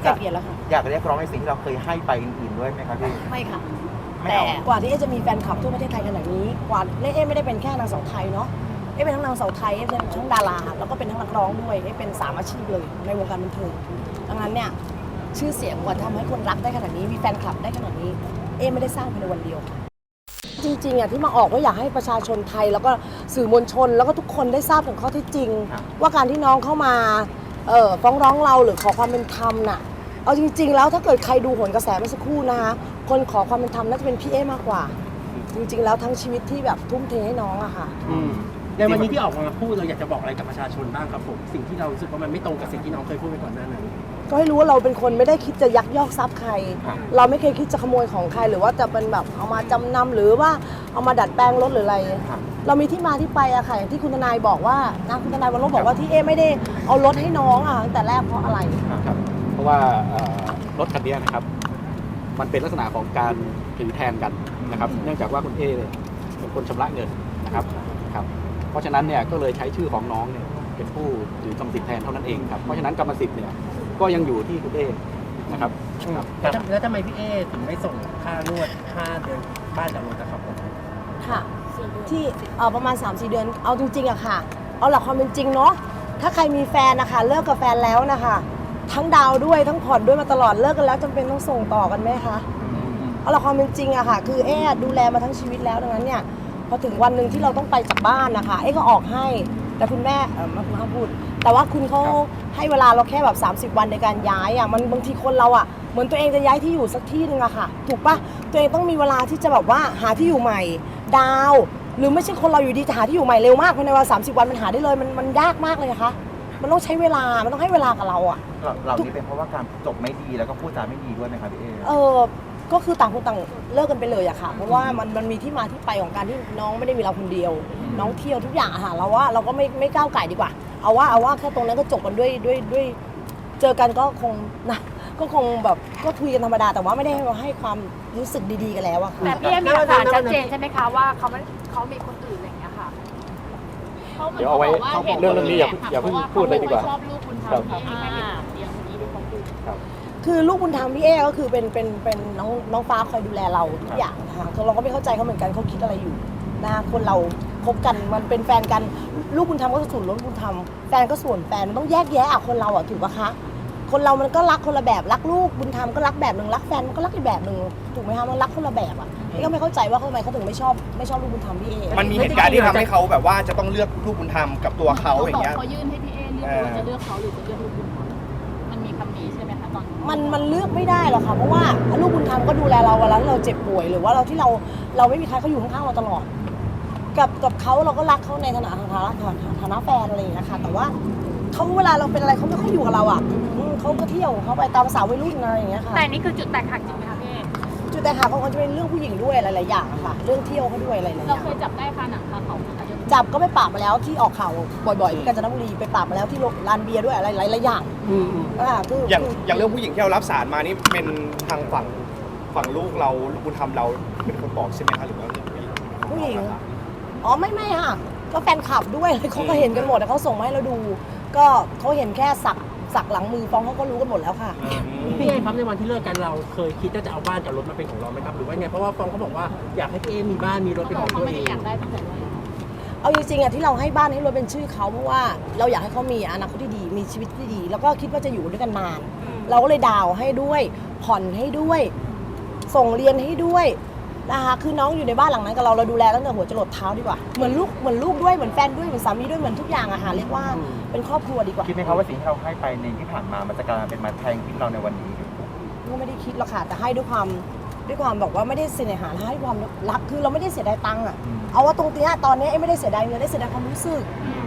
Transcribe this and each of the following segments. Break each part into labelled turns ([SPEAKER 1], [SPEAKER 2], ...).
[SPEAKER 1] ไกลเกลี่ยแล้วค่ะ
[SPEAKER 2] อยากเรียกร้องในสิ่งที่เราเคยให้ไปอื่นๆด้วยไหมครับพี่
[SPEAKER 1] ไม่ค่ะ
[SPEAKER 2] ไม่
[SPEAKER 1] แต่
[SPEAKER 2] เอา
[SPEAKER 1] กว่าที่จะมีแฟนคลับทั่วประเทศไทยขนาดนี้กว่าไม่ได้เป็นแค่นางสาวไทยเนาะเป็นทั้งนางสาวไทยเป็นทั้งดาราแล้วก็เป็นทั้งนักร้องด้วยเป็น3 อาชีพเลยในวงการบันเทิงดังนั้นเนี่ยชื่อเสียงกว่าทำให้คนรักได้ขนาดนี้มีแฟนคลับได้ขนาดนี้ไม่ได้สร้างภายในวันเดียวจริงๆที่มาออกก็อยากให้ประชาชนไทยแล้วก็สื่อมวลชนแล้วก็ทุกคนได้ทราบถึงข้อเท็จจริงว่าการที่น้องเข้ามาฟ้องร้องเราหรือขอความเป็นธรรมน่ะเอาจริงๆแล้วถ้าเกิดใครดูโหนกระแสเมื่อสักครู่นะคะคนขอความเป็นธรรมน่าจะเป็นพี่มากกว่าจริงๆแล้วทั้งชีวิตที่แบบทุ่มเทให้น้องอะค่ะ
[SPEAKER 3] ในวันนี้ที่ออกมาพูดเราอยากจะบอกอะไรกับประชาชนบ้างครับผมสิ่งที่เรารู้สึกว่ามันไม่ตรงกับสิ่งที่น้องเคยพูดไปก่อนหน้านั้น
[SPEAKER 1] ก็ให้รู้ว่าเราเป็นคนไม่ได้คิดจะยักยอกทรัพย์ใครเราไม่เคยคิดจะขโมยของใครหรือว่าจะเป็นแบบเอามาจำนำหรือว่าเอามาดัดแปลงรถหรืออะไรเรามีที่มาที่ไปอะค่ะอย่างที่คุณทนายบอกว่านะคุณทนายวรรณบอกว่าที่ไม่ได้เอารถให้น้องอะตั้งแต่แรกเพราะอะไร
[SPEAKER 4] ครับเพราะว่ารถคันนี้นะครับมันเป็นลักษณะของการถือแทนกันนะครับเนื่องจากว่าคุณเป็นคนชำระเงินนะครับเพราะฉะนั้นเนี่ยก็เลยใช้ชื่อของน้องเนี่ยเป็นผู้ถือกรรมสิทธิ์แทนเท่านั้นเองครับเพราะฉะนั้นกรรมสิทธิ์เนี่ยก็ยังอยู่ที่คุณนะครับ
[SPEAKER 3] แล้วทำไมพี่ถึงไม่ส่งค่านวดค่าเดินบ้านจากรถนะครับผม
[SPEAKER 1] ค่ะที่ประมาณ 3-4 เดือนเอาจริงๆอะค่ะเอาหลักความเป็นจริงเนาะถ้าใครมีแฟนนะคะเลิกกับแฟนแล้วนะคะทั้งดาวด้วยทั้งผ่อนด้วยมาตลอดเลิกกันแล้วจำเป็นต้องส่งต่อกันไหมคะเอาหลักความเป็นจริงอะค่ะคือดูแลมาทั้งชีวิตแล้วดังนั้นเนี่ยพอถึงวันหนึ่งที่เราต้องไปจากบ้านนะคะก็ออกให้แต่คุณแม่มาพูดแต่ว่าคุณเขาให้เวลาเราแค่แบบ30 วันในการย้ายอะมันบางทีคนเราอะเหมือนตัวเองจะย้ายที่อยู่สักที่นึงอะค่ะถูกปะตัวเองต้องมีเวลาที่จะแบบว่าหาที่อยู่ใหม่ดาวหรือไม่ใช่คนเราอยู่ดีจะหาที่อยู่ใหม่เร็วมากภายในวัน30 วันมันหาได้เลยมันยากมากเลยนะคะมันต้องใช้เวลามันต้องให้เวลากับเราอะ
[SPEAKER 2] เรานี่เป็นเพราะว่าการจบไม่ดีแล้วก็พูดจาไม่ดีด้วยไหมครับพี่
[SPEAKER 1] ก็คือต่างคนต่างเลิกกันไปเลยอะค่ะเพราะว่ามันมีที่มาที่ไปของการที่น้องไม่ได้มีเราคนเดียวน้องเที่ยวทุกอย่างอะค่ะเราว่าเราก็ไม่ก้าวไก่ดีกว่าเอาว่าแค่ตรงนั้นก็จบกันด้วยเจอกันก็คงนะก็คงแบบก็คุยกันธรรมดาแต่ว่าไม่ได้ให้ความรู้สึกดีๆกันแล้วอะค่ะ
[SPEAKER 5] แต่พี่มีหลักฐานชัดเจนใช่ไหมคะว่าเขามีคนอื่นอะไรอย่างเงี้ยค่ะ
[SPEAKER 4] เดี๋ยวเอาไว้เรื่องนี้อย่าเพิ่งพูดเลยดีกว่า
[SPEAKER 5] ชอบลูกคุณทำพี่แค่เลี้ยงนี้ด้วยความพูด
[SPEAKER 1] คือลูกบุญธรรมพี่ก็คือเป็นน้องฟ้าคอยดูแลเราทุกอย่างนะคะเราก็ไม่เข้าใจเขาเหมือนกันเขาคิดอะไรอยู่นะคะคนเราคบกันมันเป็นแฟนกันลูกบุญธรรมก็ส่วนลูกบุญธรรมแฟนก็ส่วนแฟนมันต้องแยกแยะคนเราถูกปะคะคนเรามันก็รักคนละแบบรักลูกบุญธรรมก็รักแบบหนึ่งรักแฟนมันก็รักอีกแบบหนึ่งถูกไหมคะมันรักคนละแบบก็ไม่เข้าใจว่าทำไมเขาถึงไม่ชอบลูกบุญธรรมพี่
[SPEAKER 6] มันมีเหตุการณ์ที่ทำให้เขาแบบว่าจะต้องเลือกลูกบุญธรรมกับตัวเขาอย่างเงี้ย
[SPEAKER 5] เขายื่นให้พี่เลือกว่าจะเลือกเขาหรือจะเลือกลูกบุญธรรมมันมีคำนี้ใช่ไหมคะตอน
[SPEAKER 1] มันเลือกไม่ได้หรอกค่ะเพราะว่าลูกบุญธรรมก็ดูแลเราเวลาที่เราเจ็บป่วยหรือว่าเราไม่มีใครเขาอยู่ข้างๆเราตลอดกับเขาเราก็รักเขาในฐานะแฟนอะไรอย่างเงี้ยค่ะแต่ว่าเขาเวลาเราเป็นอะไรเขาไม่ค่อยอยู่กับเราเขาก็เที่ยวเขาไปตามภาษาวัยรุ่นอะไรอย่างเงี้ยค่ะ
[SPEAKER 5] แต่นี่คือจุดแตกหักจริงไหมคะพี่
[SPEAKER 1] จุดแตกหักของเขาจะเป็นเรื่องผู้หญิงด้วยหลายๆอย่างค่ะเรื่องเที่ยวเขาด้วยอะไรๆอย่าง
[SPEAKER 5] เราเคยจับได้ค่ะหนังคาเขา
[SPEAKER 1] จับก็ไปปราบมาแล้วที่ออกข่าวบ่อยๆที่กาญจนบุรีไปปราบมาแล้วที่ร้านเบียร์ด้วยอะไรหลายๆอย่าง
[SPEAKER 6] คืออย่างเรื่องผู้หญิงที่เรารับสารมานี่เป็นทางฝั่งลูกเราลูกบุญธรรมเราเป็นคนบอกใช่ไหมคะหรือว่า
[SPEAKER 1] ผู้หญิงไม่ค่ะก็แฟนคลับด้วยเขาก็เห็นกันหมดแต่เขาส่งมาให้เราดูก็เขาเห็นแค่สักหลังมือฟ้องเขาก็รู้กันหมดแล้วค่ะ
[SPEAKER 3] พี่ครับในวันที่เลิกกันเราเคยคิดว่าจะเอาบ้านกับรถมาเป็นของเราไหมครับหรือว่าไงเพราะว่าฟ้องเขาบอกว่าอยากให้พี่มีบ้านมีรถเป็นของตัวเอง
[SPEAKER 1] เอาจริงๆที่เราให้บ้านให้รถเป็นชื่อเขาเพราะว่าเราอยากให้เขามีอนาคตที่ดีมีชีวิตที่ดีแล้วก็คิดว่าจะอยู่ด้วยกันนานเราก็เลยดาวให้ด้วยผ่อนให้ด้วยส่งเรียนให้ด้วยนะคะคือน้องอยู่ในบ้านหลังนั้นกับเราดูแลตั้งแต่หัวจรดเท้าดีกว่าเหมือนลูกด้วยเหมือนแฟนด้วยเหมือนสามีด้วยเหมือนทุกอย่างเรียกว่าเป็นครอบครัวดีกว่า
[SPEAKER 2] คิดไหมครับว่าสิ่งที่เราให้ไปในที่ผ่านมามันจะกลายเป็นมาแทงชีวิตเราในวันนี้
[SPEAKER 1] ก็ไม่ได้คิดหรอกค่ะแต่ให้ด้วยความบอกว่าไม่ได้เสียหายให้ความรักคือเราไม่ได้เสียดายตังค์เอาว่าตรงนี้ตอนนี้ไม่ได้เสียดายเงินได้เสียดายความรู้สึก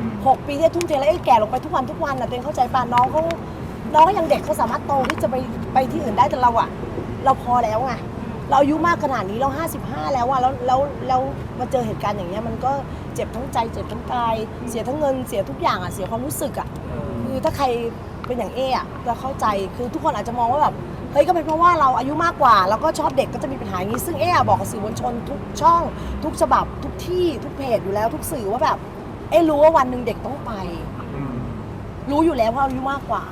[SPEAKER 1] 6 ปีที่ทุ่มเทแล้วแก่ลงไปทุกวันตัวเองเข้าใจป่ะน้องก็ยังเด็กเขาสามารถโตที่จะไปที่อื่นได้แต่เราพอแล้วไงเราอายุมากขนาดนี้เรา55แล้วแล้วมาเจอเหตุการณ์อย่างเงี้ยมันก็เจ็บทั้งใจเจ็บทั้งกายเสียทั้งเงินเสียทุกอย่างเสียความรู้สึกคือถ้าใครเป็นอย่างจะเข้าใจคือทุกคนอาจจะมองว่าแบบเฮ้ยก็เป็นเพราะว่าเราอายุมากกว่าแล้วก็ชอบเด็กก็จะมีปัญหาอย่างนี้ซึ่งบอกกับสื่อมวลชนทุกช่องทุกฉบับทุกที่ทุกเพจอยู่แล้วทุกสื่อว่าแบบรู้ว่าวันหนึ่งเด็กต้องไปรู้อยู่แล้วว่าอายุมากกว่า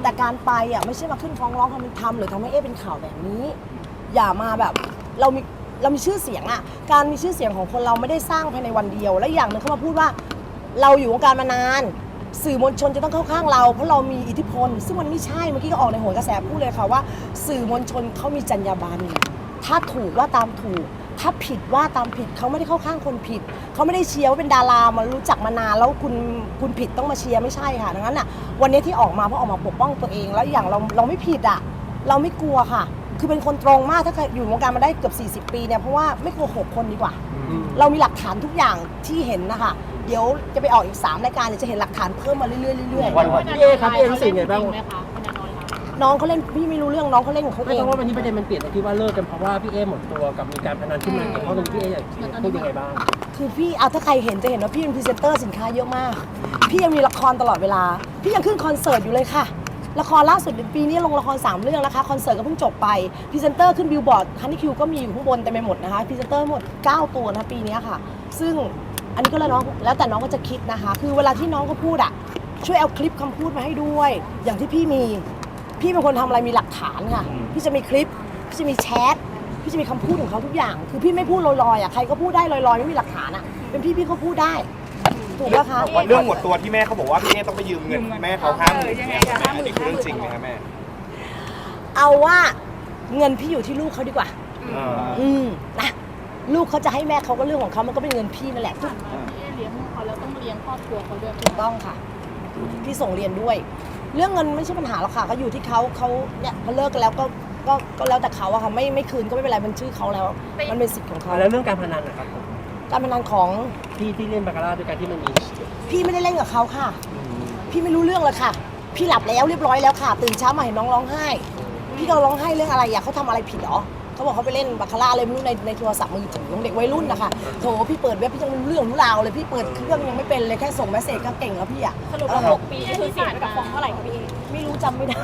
[SPEAKER 1] แต่การไปอ่ะไม่ใช่มาขึ้นฟ้องร้องความเป็นธรรมหรือทำให้เป็นข่าวแบบนี้ อย่ามาแบบเรามีชื่อเสียงอ่ะการมีชื่อเสียงของคนเราไม่ได้สร้างภายในวันเดียวและอย่างหนึงเขามาพูดว่าเราอยู่วงการมานานสื่อมวลชนจะต้องเข้าข้างเราเพราะเรามีอิทธิพลซึ่งมันไม่ใช่เมื่อกี้ก็ออกในโหนกระแสพูดเลยค่ะว่าสื่อมวลชนเขามีจรรยาบรรณถ้าถูกว่าตามถูกถ้าผิดว่าตามผิดเขาไม่ได้เข้าข้างคนผิดเขาไม่ได้เชียร์ว่าเป็นดารามารู้จักมานานแล้วคุณผิดต้องมาเชียร์ไม่ใช่ค่ะดังนั้นอ่ะวันนี้ที่ออกมาเพราะออกมาปกป้องตัวเองแล้วอย่างเราไม่ผิดอ่ะเราไม่กลัวค่ะคือเป็นคนตรงมากถ้าใครอยู่วงการมาได้เกือบ40 ปีเนี่ยเพราะว่าไม่โกหกคนดีกว่าเรามีหลักฐานทุกอย่างที่เห็นนะคะเดี๋ยวจะไปออกอีก3 รายการเดี๋ยวจะเห็นหลักฐานเพิ่มมาเรื่อยๆเรื่อย
[SPEAKER 3] พี่เอครับพี่เอรู้สึกไงบ้าง
[SPEAKER 5] ไหมคะคุณนอยคะ
[SPEAKER 1] ๆน้องเขาเล่นพี่ไม่รู้เรื่องน้องเขาเล่นของเขา
[SPEAKER 3] ไม่
[SPEAKER 1] เอง
[SPEAKER 3] เพราะว่าวันนี้ประเด็นมันเปลี่ยนตรงที่ว่าเลิกกันเพราะว่าพี่เอหมดตัวกับมีการพนันขึ้นมาเกี่ยวข้องตรงนี้พี่เออยากพูดยังไงบ้าง
[SPEAKER 1] คือพี่เอาถ้าใครเห็นจะเห็นว่าพี่เป็นพรีเซนเตอร์สินค้าเยอะมาก พี่ยังมีละครตลอดเวลา พี่ยังขึ้นคอนเสิร์ตอยู่เลยค่ะ ละครล่าสุดปีนี้ลงละคร3 เรื่องนะคะคอนเสิร์ตก็เพิ่งจบไปพรีเซนเตอร์ขึ้นบิลบอร์ดฮันนี่คิวก็มีอยู่ข้างบนเต็มไปหมดนะคะพรีเซนเตอร์หมด9 ตัวนะปีนี้ค่ะ ซึ่งอันนี้ก็แล้วแต่น้องก็จะคิดนะคะ คือเวลาที่น้องเขาพูดอ่ะช่วยเอาคลิปคำพูดมาให้ด้วย อย่างที่พี่เป็นคนทำอะไรมีหลักฐานค่ะพี่จะมีคลิปพี่จะมีแชทพี่จะมีคำพูดของเขาทุกอย่าง คือพี่ไม่พูดลอยๆอ่ะใครก็พูดได้ลอยๆไม่มีหลักฐานอ่ะเป็นพี่ก็พูดได้ถูกไหมคะ
[SPEAKER 6] เรื่องหมดตัวที่แม่เขาบอกว่าพี่เอต้องไปยืมเงินแม่เขา50,000อันนี้คือเรื่องจริงไหมครับแม่
[SPEAKER 1] เอาว่าเงินพี่อยู่ที่ลูกเขาดีกว่านะลูกเขาจะให้แม่เขาก็เรื่องของเขามันก็เป็นเงินพี่นั่นแหละ
[SPEAKER 5] ผ่านมาพี่เอเลี้ยงลูกเขาแล้วต้องเลี้ยงครอบครัวเขาด้วย
[SPEAKER 1] ถูกต้องค่ะพี่ส่งเรียนด้วย เรื่องเงินไม่ใช่ปัญหาหรอกค่ะก็อยู่ที่เขาเนี่ยพอเลิกกันแล้วก็แล้วแต่เขาอะค่ะไม่คืนก็ไม่เป็นไรมันชื่อเขาแล้วมันเป็นสิทธิ์ของเขา
[SPEAKER 3] แล้วเรื่องการพนันนะครับผม
[SPEAKER 1] การพนันของ
[SPEAKER 3] ที่เล่นบาคาร่าด้วยกันที่มันมี
[SPEAKER 1] พี่ไม่ได้เล่นกับเขาค่ะ พี่ไม่รู้เรื่องเลยค่ะ พี่หลับแล้วเรียบร้อยแล้วค่ะตื่นเช้ามาเห็นน้องร้องไห้พี่ก็ร้องไห้เรื่องอะไรอะเขาทำอะไรผิดเหรอเขาบอกเขาไปเล่นบาคาร่าอะไรไม่รู้ในโทรศัพท์มือถือของเด็กวัยรุ่นนะคะโถพี่เปิดเว็บพี่ยังไม่รู้เรื่องรู้ราวเลยพี่เปิดเครื่องยังไม่เป็นเลยแค่ส่งเมสเซจก็เก่งแล้วพี่อะ
[SPEAKER 5] สรุปว่า6 ปีคือเสียไปกับฟองเท่าไหร่คะพี่เอ
[SPEAKER 1] ไม่รู้จำไม่ได้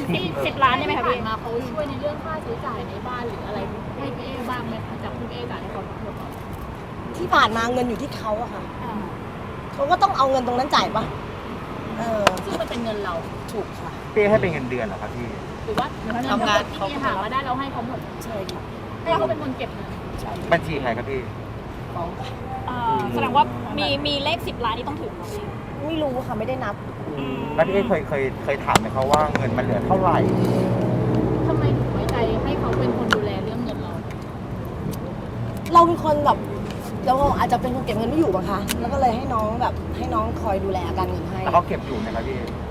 [SPEAKER 5] 10 ล้านได้ไหมคะพี่มาเขาช่วยในเรื่องค่าใช้จ่ายในบ้านหรืออะไรให้พี่เอบ้างไหมคะจากคุณเอจ่ายให้เขาทั้งหมด
[SPEAKER 1] ที่ผ่านมาเงินอยู่ที่เขาอะค่ะเขาก็ต้องเอาเงินตรงนั้นจ่ายปะ
[SPEAKER 5] ซึ่งมันเป็นเงินเรา
[SPEAKER 1] ถูกค่ะ
[SPEAKER 2] พี่ให้เป็นเงินเดือนเหรอครับพี่
[SPEAKER 5] หรือว่าทำงานที่หามาได้เราให้เขาหมด
[SPEAKER 1] ใช่ค่ะ
[SPEAKER 5] ให้เขาเป็นคนเก็บเงิน
[SPEAKER 2] บัญชีใครครับพี่
[SPEAKER 1] ฟ้อง
[SPEAKER 5] แสดงว่ามีเลข10 ล้านนี่ต้องถึงเราเอง
[SPEAKER 1] ไม่รู้ค่ะไม่ได้นับ
[SPEAKER 2] แล้วพี่เอเคยถามไหมเขาว่าเงินมันเหลือเท่าไหร่
[SPEAKER 5] ทำไมถึงไว้ใจให้เขาเป็นคนดูแลเรื่องเงินเรา
[SPEAKER 1] เราเป็นคนแบบเราอาจจะเป็นคนเก็บเงินไม่อยู่มั้งคะแล้วก็เลยให้น้องคอยดูแลการเงินให้
[SPEAKER 2] แล้วเขาเก็บอยู่ไหมครับพี่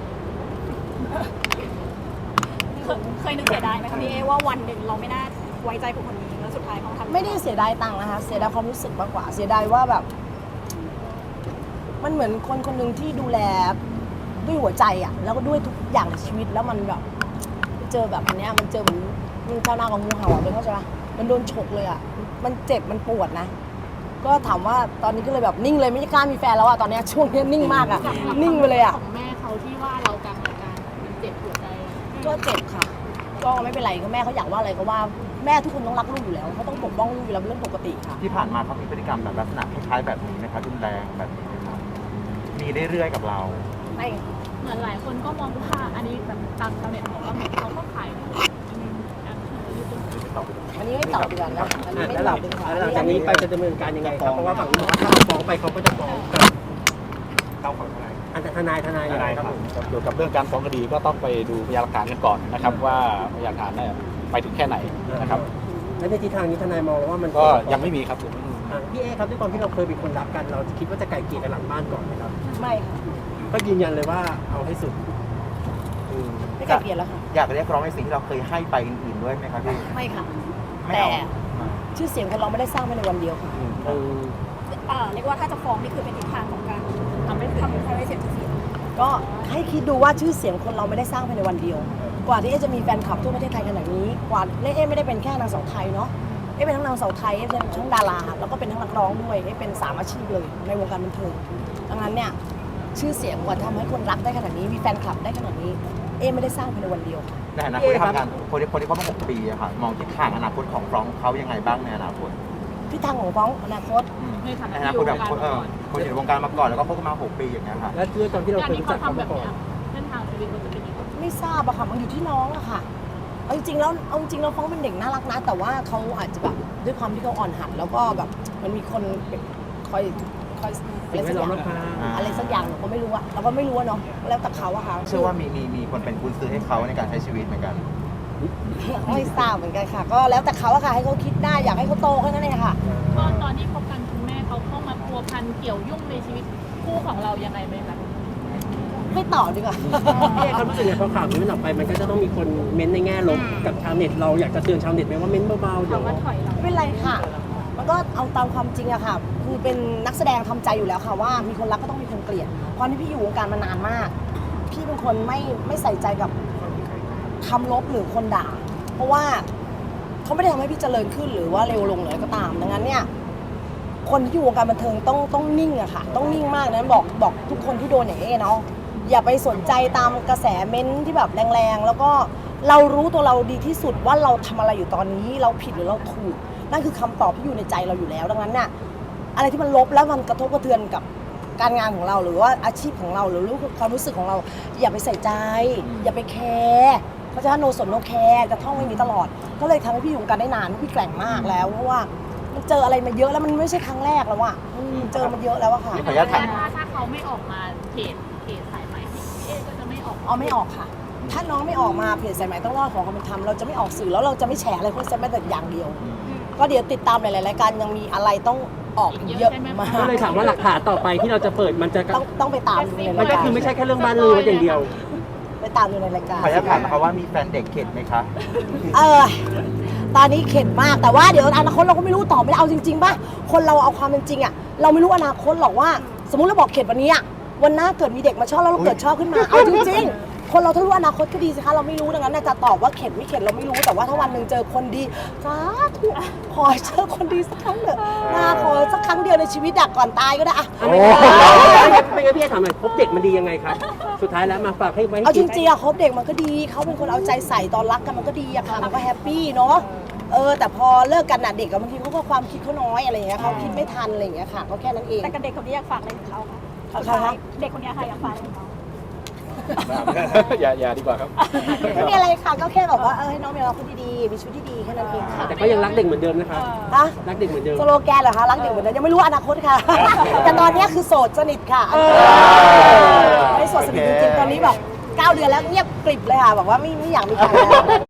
[SPEAKER 5] เคยนึกเสียดายไหมคะพี่เอว่าวันหนึ่งเราไม่น่าไว้ใจคนคนนี้แล้วสุดท้ายเขาทำ
[SPEAKER 1] ไม่ได้เสียดายตังค์นะคะเสียดายความรู้สึกมากกว่าเสียดายว่าแบบ มันเหมือนคนคนหนึ่งที่ดูแลด้วยหัวใจอะแล้วก็ด้วยทุกอย่างในชีวิตแล้วมันแบบเจอแบบอันเนี้ยมันเจอเหมือนมันเท่าหน้าของงูเห่าเลยเข้าใจปะมันโดนฉกเลยอะมันเจ็บมันปวดนะก็ถามว่าตอนนี้ก็เลยแบบนิ่งเลยไม่กล้ามีแฟนแล้วอะตอนเนี้ยช่วงนี้นิ่งมากอะนิ่งไปเลยอะ
[SPEAKER 5] ของแม่เขาที่ว่าเรากลางเหตุการณ์มันเจ็บหัวใจ
[SPEAKER 1] ก็เจ็บค่ะ ก็ไม่เป็นไรก็แม่เขาอยากว่าอะไรก็ว่าแม่ทุกคนต้องรักลูกอยู่แล้วเขาต้องปกป้องลูกอยู่แล้วเป็นเรื่องปกติค่ะ
[SPEAKER 2] ที่ผ่านมาเขามีพฤติกรรมแบบลักษณะคล้ายๆแบบนี้ไหมครับรุนแรงแบบนี้ไหมครับมีเรื่อยๆกับเรา
[SPEAKER 1] ไม่
[SPEAKER 5] เหมือนหลายคนก็มองว่าอันนี้แบบตามชาวเน็ตบอกว่าเขาก็ขาย
[SPEAKER 1] อันนี้ไม่ตอบดีกว่านะอันนี้ไม่
[SPEAKER 3] แล้ว
[SPEAKER 1] ต
[SPEAKER 3] ห
[SPEAKER 1] อ
[SPEAKER 3] ลั
[SPEAKER 1] บดีกว่า
[SPEAKER 3] งจากนี้ไปจะดำเนินการยังไงครับเพราะว่าฝั่งนู้นถ้าฟ้องไปเขาก็จะฟ้องกับ
[SPEAKER 6] เราของอะไร
[SPEAKER 3] อันทนายยังไงครับผม
[SPEAKER 4] เกี่ยวกับเรื่องการฟ้องคดีก็ต้องไปดูพยานหลักฐานกันก่อนนะครับ ว่าพยานหลักฐานเนี่ยไปถึงแค่ไหนนะครับ
[SPEAKER 3] แล้วในทิศทางนี้ทนายมองว่ามัน
[SPEAKER 4] ก็ยังไม่มีครับผม
[SPEAKER 3] พี่เอครับด้วยความที่เราเคยเป็นคนรักกันเราคิดว่าจะไกลเกลี่ยกันหลังบ้านก่อนไหมครับ
[SPEAKER 1] ไม่ค่ะ
[SPEAKER 3] ก็ยืนยันเลยว่าเอาให้สุด
[SPEAKER 1] ไม่ไกลเกลียดแล้วค่ะ
[SPEAKER 2] อยากเรียกร้องในสิ่งที่เราเคยให้ไปอื่นๆด้วยไหมครับพี่
[SPEAKER 1] ไม่ค่ะ
[SPEAKER 2] ไม่
[SPEAKER 1] แต่
[SPEAKER 2] เอา
[SPEAKER 1] ชื่อเสียงคนเราไม่ได้สร้างภายในวันเดียวค่ะ
[SPEAKER 5] เรียกว่าถ้าจะฟ้องนี่คือเป็นทิศทางของการทำให้เสียชื่อเสียง
[SPEAKER 1] ก็ให้คิดดูว่าชื่อเสียงคนเราไม่ได้สร้างภายในวันเดียว กว่าที่เอ๊จะมีแฟนคลับทั่วประเทศไทยขนาดนี้กว่าเอ๊ไม่ได้เป็นแค่นางสาวไทยเนาะเอ๊เป็นทั้งนางสาวไทยเอ๊เป็นทั้งดาราแล้วก็เป็นทั้งนักร้องด้วยเอ๊เป็น3 อาชีพเลยในวงการบันเทิงดังนั้นเนี่ยชื่อเสียงกว่าทำให้คนรักได้ขนาดนี้มีแฟนคลับได้ขนาดนี้เอ๊ไม่ได้สร้างภายในวันเดียว
[SPEAKER 2] ในอนาคตที่ทำงานคนที่เขามา6 ปีอะค่ะมองทิศทางอนาคตของฟรองก์เขายังไงบ้างในอนาคต
[SPEAKER 1] ทิศทางของฟ้องอนาคต
[SPEAKER 5] ในฐานะ
[SPEAKER 2] ในอนาคตแบบคนอยู่ในวงการมาก่อนแล้วก็คบกันมา6 ปีอย่างเงี้ยค่ะ
[SPEAKER 3] และด้วยตอนที่เรา
[SPEAKER 5] การ
[SPEAKER 3] เคย
[SPEAKER 5] ที่
[SPEAKER 3] รู้จั
[SPEAKER 5] เขา
[SPEAKER 3] กเขา
[SPEAKER 5] ทำแบ
[SPEAKER 3] มา
[SPEAKER 5] บ
[SPEAKER 3] ก่อน
[SPEAKER 5] นี้เส้นทางชีวิตมันจะเป็นยังไง
[SPEAKER 1] ไม่ทราบอะค่ะมันอยู่ที่น้องอะค่ะเอาจริงๆแล้วฟ้องเป็นเด็กน่ารักนะ แต่ว่าเขาอาจจะแบบด้วยความที่เขาอ่อนหัดแล้วก็แบบมันมีคนคอยอะไรสักอย่างอะไรสักอย่างเราก็ไม่รู้อะเราก็ไม่รู้อะเนาะแล้วแต่เขาอะค่ะ
[SPEAKER 2] เชื่อว่ามีคนเป็นกุญซื้อให้เขาในการใช้ชีวิตเหมือนกัน
[SPEAKER 1] ไม่ทราบเหมือนกันค่ะ ก็แล้วแต่เขาอะค่ะให้เขาคิดได้อยากให้เขาโตแค่นั้นเองค่ะ
[SPEAKER 5] ตอนที่คบกันคุณแม่เขาเข้ามาพัวพันเกี่ยวยุ่งในชีวิตคู่ของเรายังไงไหมคะ
[SPEAKER 1] ไม่ตอบดีกว่า
[SPEAKER 3] พี่เอเขารู้สึกไงพอข่าวนี้มันออกไปมันก็จะต้องมีคนเม้นในแง่ลบกับชาวเน็ตเราอยากจะเตือนชาวเน็ตไหมว่าเม้นเบาๆเดี๋ยว
[SPEAKER 5] คำว่าถอยเรา
[SPEAKER 1] ไม่เป็นไรค่ะ มันก็เอาตามความจริงอะค่ะ คือเป็นนักแสดงทำใจอยู่แล้วค่ะว่ามีคนรักก็ต้องมีคนเกลียดความที่พี่อยู่วงการมานานมาก พี่เป็นคนไม่ใส่ใจกับคำลบหรือคนด่า เพราะว่าเขาไม่ได้ทำให้พี่เจริญขึ้นหรือว่าเร็วลงหรืออะไรก็ตาม ดังนั้นเนี่ย คนที่อยู่วงการบันเทิงต้องนิ่งอะค่ะ ต้องนิ่งมากนะบอกทุกคนที่โดนอย่างนี้เนาะ อย่าไปสนใจตามกระแสเม้นท์ที่แบบแรงๆ แล้วก็เรารู้ตัวเราดีที่สุดว่าเราทำอะไรอยู่ตอนนี้เราผิดหรือเราถูก นั่นคือคำตอบที่อยู่ในใจเราอยู่แล้ว ดังนั้นน่ะอะไรที่มันลบแล้วมันกระทบกระเทือนกับการงานของเราหรือว่าอาชีพของเราหรือความรู้สึกของเรา อย่าไปใส่ใจ อย่าไปแคร์เพราะฉะนั้นโนสนโนแคร์จะท่องไว้นี้ตลอด ก็เลยทำให้พี่อยู่วงการได้นานพี่แกร่งมากแล้วเพราะว่ามันเจออะไรมาเยอะแล้วมันไม่ใช่ครั้งแรกแล้วอะเจอมาเยอะแล้วอะค่ะ
[SPEAKER 2] ขออนุญาตถาม
[SPEAKER 5] ถ้าเขาไม่ออกมาเพจสายใหม่พี่เอก็จะไม่ออก
[SPEAKER 1] ไม่ออกค่ะ ถ้าน้องไม่ออกมาเพจสายไหมต้องรอดของความเป็นธรรมเราจะไม่ออกสื่อแล้วเราจะไม่แฉอะไรพวกนี้แม้แต่อย่างเดียว ก็เดี๋ยวติดตามหลายๆรายการยังมีอะไรต้องออกอีกเยอะมาก
[SPEAKER 3] ก็เลยถามว่าหลักฐานต่อไปที่เราจะเปิดมันจะ
[SPEAKER 1] ต้องไปตามดูใน
[SPEAKER 3] มั
[SPEAKER 1] ราน ย
[SPEAKER 3] ก็
[SPEAKER 1] การ
[SPEAKER 3] คือไม่ใช่แค่เรื่องบ้านเรือนอย่างเดียว
[SPEAKER 1] ไปตามดูในรายการ
[SPEAKER 2] ขออนุญาตถามนะคะว่ามีแฟนเด็กเข็ดไหมคะ
[SPEAKER 1] ตอนนี้เข็ดมากแต่ว่าเดี๋ยวอนาคตเราก็ไม่รู้ตอบไม่ได้เอาจริงๆป่ะคนเราเอาความเป็นจริงอะเราไม่รู้อนาคตหรอกว่า สมมุติเราบอกเข็ดวันนี้อะวันหน้าเกิดมีเด็กมาชอบแล้วเราเกิดชอบขึ้นมาเอาจริงๆคนเราถ้ารู้อนาคตก็ดีสิคะเราไม่รู้ดังนั้นน่ะจะตอบว่าเข็ดไม่เข็ดเราไม่รู้แต่ว่าถ้าวันหนึ่งเจอคนดีสาธุขอให้เจอคนดีสักครั้งเถอะขอสักครั้งเดียวในชีวิตก่อนตายก็ได้อะ
[SPEAKER 3] ไม่งั้นพี่ถามหน่อยพบเด็กมันดียังไงครับ สุดท้ายแล้วมาฝากให้ไว้
[SPEAKER 1] เอาจริงๆอะคบเด็กมันก็ดีเขาเป็นคนเอาใจใส่ตอนรักกันมันก็ดีอะค่ะมันก็แฮปปี้เนาะแต่พอเลิกกันน่ะเด็กกับบางทีเขาก็ความคิดเขาน้อยอะไรอย่างเงี้ยเขาคิดไม่ทันอะไรอย่างเงี้ยค่ะก็แค่นั้นเอง
[SPEAKER 5] แต่กับเด็กคนนี้อยากฝากอะไรถึงเราคะ
[SPEAKER 1] ใครคะ
[SPEAKER 5] เด็กคนนี้ค่ะอยากฝากอะไรถึงเรา
[SPEAKER 4] อย่าดีกว่าครับ
[SPEAKER 1] ไม่มีอะไรค่ะก็แค่แบบว่าให้น้องมีเราคนดีๆมีชีวิตที่ดีแค่นั้นเองค่ะ
[SPEAKER 3] แต่ก็ยังรักเด็กเหมือนเดิมนะครับ
[SPEAKER 1] ฮะ
[SPEAKER 3] รักเด็กเหมือนเดิม
[SPEAKER 1] สโลแกนเหรอคะรักเด็กเหมือนเดิมยังไม่รู้อนาคตค่ะ แต่ตอนนี้คือโสดสนิทค่ะไม่โสดสนิทจริงๆตอนนี้แบบ9 เดือนแล้วเงียบกริบเลยค่ะบอกว่าไม่อยากมีใครแล้ว